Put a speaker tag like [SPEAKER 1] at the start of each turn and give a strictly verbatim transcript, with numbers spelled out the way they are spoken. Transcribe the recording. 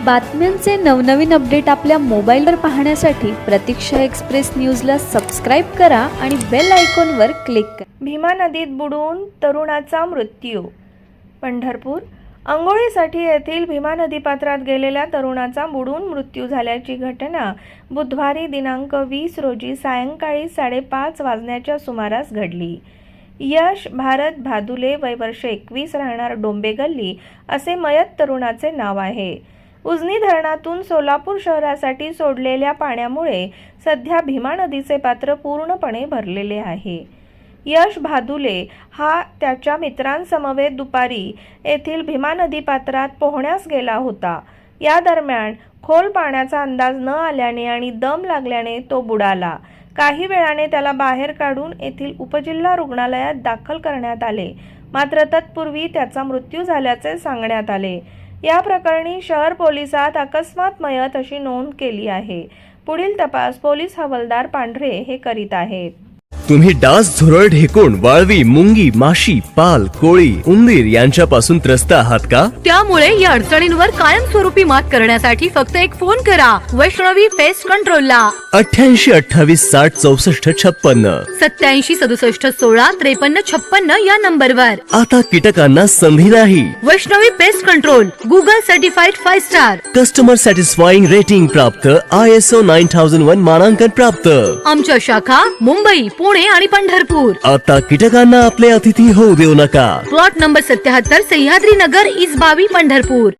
[SPEAKER 1] बातम्यांचे नवनवीन अपडेट आपल्या मोबाईलवर पाहण्यासाठी प्रतीक्षा एक्सप्रेस न्यूजला सबस्क्राईब करा आणि बेल आयकॉनवर क्लिक करा।
[SPEAKER 2] भीमा नदीत बुडून तरुणाचा मृत्यू। पंढरपूर अंघोळीसाठी येथील भीमा नदीपात्रात गेलेल्या तरुणाचा बुडून मृत्यू झाल्याची घटना बुधवारी दिनांक वीस रोजी सायंकाळी साडेपाच वाजण्याच्या सुमारास घडली। यश भारत भादुले वय वर्ष एकवीस राहणार डोंबे गल्ली असे मयत तरुणाचे नाव आहे। उजनी धरणातून सोलापूर शहरासाठी सोडलेल्या पाण्यामुळे सध्या भीमा नदीचे पात्र पूर्णपणे भरलेले आहे। यश भादुले हा त्याच्या मित्रांसमवेत दुपारी येथील भीमा नदी पात्रात पोहण्यास गेला होता। या दरम्यान खोल पाण्याचा अंदाज न आल्याने आणि दम लागल्याने तो बुडाला। काही वेळाने त्याला बाहेर काढून येथील उपजिल्हा रुग्णालयात दाखल करण्यात आले, मात्र तत्पूर्वी त्याचा मृत्यू झाल्याचे सांगण्यात आले। या प्रकरणी शहर पोलिसात अकस्मात मयत अशी नोंद केली आहे। पुढील तपास पोलीस हवालदार पांढरे हे करीत आहेत।
[SPEAKER 3] तुम्ही डास, झुरळ, ढेकुण, वाळवी, मुंगी, माशी, पाल, कोळी, उंदीर यांच्यापासून त्रस्त आहात का?
[SPEAKER 4] त्यामुळे या अडचणींवर कायमस्वरूपी मात करण्यासाठी फक्त एक फोन करा वैष्णवी पेस्ट कंट्रोलला
[SPEAKER 3] अठ्ठ्याऐंशी अठ्ठावीस साठ चौसष्ट छप्पन्न
[SPEAKER 4] सत्याऐंशी सदुसष्ट सोळा त्रेपन्न छप्पन्न या नंबरवर।
[SPEAKER 3] आता कीटकांना संधी नाही।
[SPEAKER 4] Vaishnavi pest control Google certified five star,
[SPEAKER 3] customer satisfying rating प्राप्त, I S O nine thousand one मानांकन प्राप्त।
[SPEAKER 4] आमच्या शाखा मुंबई, पुणे आणि पंढरपूर।
[SPEAKER 3] आता कीटकांना आपले अतिथी होऊ देऊ नका।
[SPEAKER 4] प्लॉट नंबर सत्याहत्तर सह्याद्री नगर, इसबावी, पंढरपूर।